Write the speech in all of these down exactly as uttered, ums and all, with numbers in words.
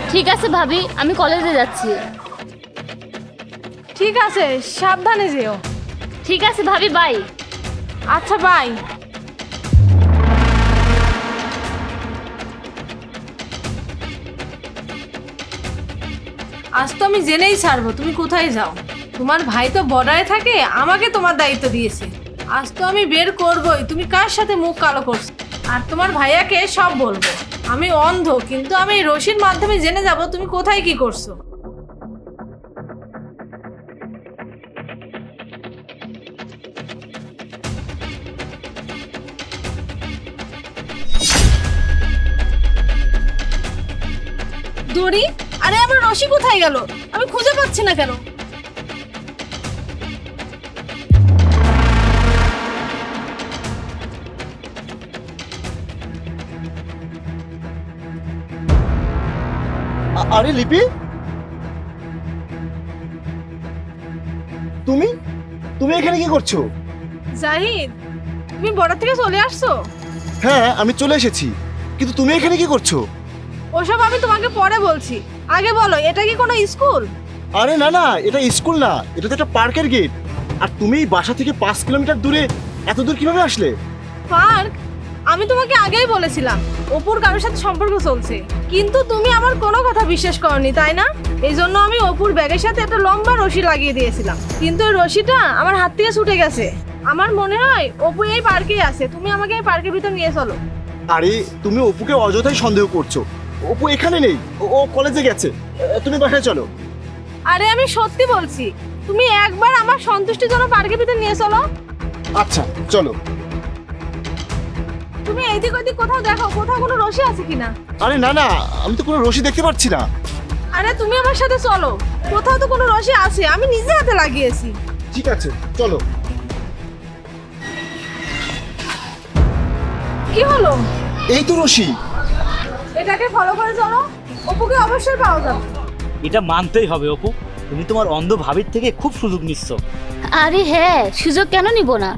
ঠিক আছে ভাবি, আমি কলেজে যাচ্ছি। ঠিক আছে, সাবধানে যেও। ঠিক আছে ভাবি, বাই। আচ্ছা বাই। আজ তো আমি জেনেই ছাড়বো তুমি কোথায় যাও। তোমার ভাই তো বর্ডারে থাকে, আমাকে তোমার দায়িত্ব দিয়েছে। আজ তো আমি বের করবই তুমি কার সাথে মুখ কালো করছো। আর তোমার ভাইয়াকে সব বলবো। আমি অন্ধ, কিন্তু আমি এই রশির মাধ্যমে জেনে যাব তুমি কোথায় কি করছো। দড়ি, আরে আমার রশি কোথায় গেল? আমি খুঁজে পাচ্ছি না কেন। আরে লিপি, তুমি তুমি এখানে কি করছো? জাহিদ, তুমি বর্ডার থেকে চলে আসছো? হ্যাঁ, আমি চলে এসেছি, কিন্তু তুমি এখানে কি করছো? ওসব আমি তোমাকে পরে বলছি। আগে বলো, এটা কি কোনো স্কুল? আরে না না, এটা স্কুল না, এটা তো একটা পার্কের গেট। আর তুমি বাসা থেকে পাঁচ কিলোমিটার দূরে এত দূর কিভাবে আসলে? পার্ক? আমি তোমাকে আগেই বলেছিলাম অপুর কারোর সাথে সম্পর্ক চলছে, কিন্তু তুমি আমার কোনো কথা বিশ্বাস করনি, তাই না? এই জন্য আমি অপুর ব্যাগের সাথে একটা লম্বা রশি লাগিয়ে দিয়েছিলাম, কিন্তু ওই রশিটা আমার হাত থেকে ছুটে গেছে। আমার মনে হয় অপু এই পার্কেই আছে। তুমি আমাকে এই পার্কের ভিতর নিয়ে চলো। আরে তুমি অপুকে অযথাই সন্দেহ করছো। অপু এখানে নেই, ও- ও কলেজে গেছে। তুমি বাসায় চলো। আরে আমি সত্যি বলছি, তুমি একবার আমার সন্তুষ্টির জন্য পার্কের ভিতর নিয়ে চলো। আচ্ছা চলো। তুমি এইদিক ওইদিক কোথাও দেখো, কোথাও কোনো রশি আছে কিনা। আরে না না, আমি তো কোনো রশি দেখতে পাচ্ছি না। আরে তুমি আমার সাথে চলো, কোথাও তো কোনো রশি আছে, আমি নিজে হাতে লাগিয়েছি। ঠিক আছে চলো। কি হলো? এই তো রশি। এটাকে ফলো করে চলো, অপুকে অবশ্যই পাওয়া যাবে। এটা মানতেই হবে অপু, তুমি তোমার অন্ধ ভাবির থেকে খুব সুযোগ নিচ্ছ। আরে হ্যাঁ, সুযোগ কেন নিব না?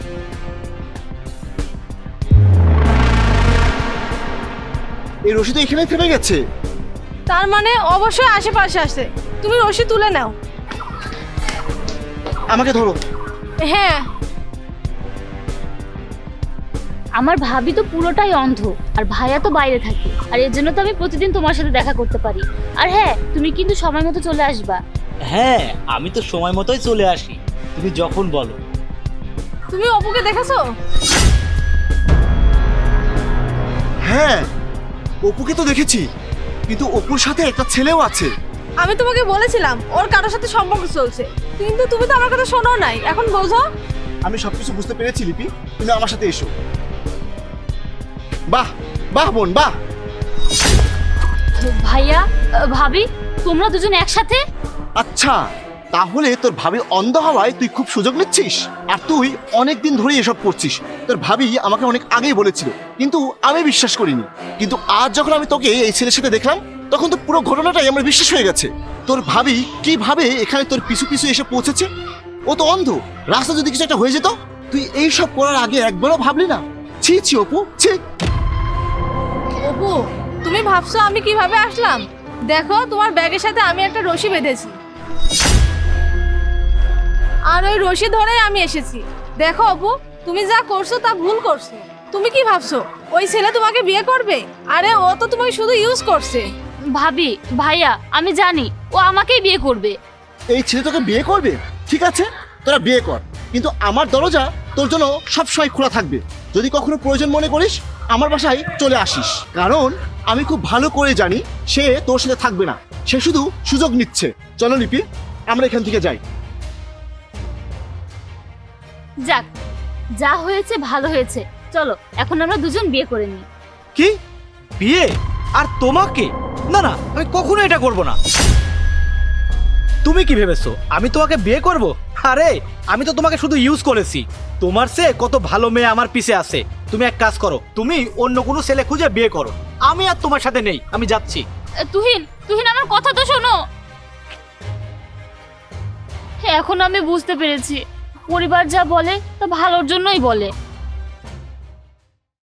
এই রশি তো এখানে থেমে গেছে। তার মানে অবশ্যই আশেপাশে আছে। তুমি রশি তুলে নাও। আমাকে ধরো। হ্যাঁ। আমার ভাবি তো পুরোটাই অন্ধ, আর ভাইয়া তো বাইরে থাকে, আর এর জন্য তো আমি প্রতিদিন তোমার সাথে দেখা করতে পারি। আর হ্যাঁ, তুমি কিন্তু সময় মতো চলে আসবা। হ্যাঁ, আমি তো সময় মতোই চলে আসি, তুমি যখন বলো। তুমি অপুকে দেখেছো? হ্যাঁ, অপুকে তো দেখেছি, কিন্তু অপুর সাথে একটা ছেলেও আছে। আমি তোমাকে বলেছিলাম ওর কারোর সাথে সম্পর্ক চলছে, কিন্তু তুমি তো আমার কথা শোনো নাই। এখন বোঝো। আমি সবকিছু বুঝতে পেরেছি লিপি, তুমি আমার সাথে এসো। বাহ বাহ বোন বাহ। ভাইয়া, আহ, ভাবি, তোমরা দুজন একসাথে? আচ্ছা, তাহলে তোর ভাবি অন্ধ হওয়ায় তুই খুব সুযোগ নিচ্ছিস, আর তুই অনেক দিন ধরেই এসব করছিস। তোর ভাবি আমাকে অনেক আগেই বলেছিল, কিন্তু আমি বিশ্বাস করিনি। কিন্তু আজ যখন আমি তোকে এই ছেলের সাথে দেখলাম, তখন তো পুরো ঘটনাটাই আমার বিশ্বাস হয়ে গেছে। তোর ভাবি কিভাবে এখানে তোর পিছু পিছু এসে পৌঁছেছে? ও তো অন্ধ, রাস্তা যদি কিছু একটা হয়ে যেত, তুই এই সব করার আগে একবারও ভাবলি না? ছি ছি অপু, ছি। অপু, তুমি ভাবছো আমি কিভাবে আসলাম? দেখো, তোমার ব্যাগের সাথে আমি একটা রশি বেঁধেছি, আর ওই রশি ধরেই আমি এসেছি। দেখো অপু, তুমি যা করছো তা ভুল করছো। তুমি কি ভাবছো ওই ছেলে তোমাকে বিয়ে করবে? আরে ও তো তোমাকে শুধু ইউজ করছে। ভাবি, ভাইয়া, আমি জানি ও আমাকেই বিয়ে করবে। এই ছেলে তোকে বিয়ে করবে? ঠিক আছে, তোরা বিয়ে কর, কিন্তু আমার দরজা তোর জন্য সবসময় খোলা থাকবে। যদি কখনো প্রয়োজন মনে করিস, আমার বাসায় চলে আসিস, কারণ আমি খুব ভালো করে জানি সে তোর সাথে থাকবে না, সে শুধু সুযোগ নিচ্ছে। চলো লিপি, আমরা এখান থেকে যাই। যাক, যা হয়েছে ভালো হয়েছে। চলো এখন আমরা দুজন বিয়ে করে নিই। কি বিয়ে? আর তোমাকে? না না, আমি কখনো এটা করব না। তুমি কি ভেবেছো আমি তোমাকে বিয়ে করব? আরে আমি তো তোমাকে শুধু ইউজ করেছি। তোমার সে কত ভালো মেয়ে আমার পিছে আছে। তুমি এক কাজ করো, তুমি অন্য কোনো ছেলে খুঁজে বিয়ে করো। আমি আর তোমার সাথে নেই, আমি যাচ্ছি। এ, তুহিন, তুহিন, আমার কথা তো শোনো। এখন আমি বুঝতে পেরেছি, পরিবার যা বলে তা ভালোর জন্যই বলে।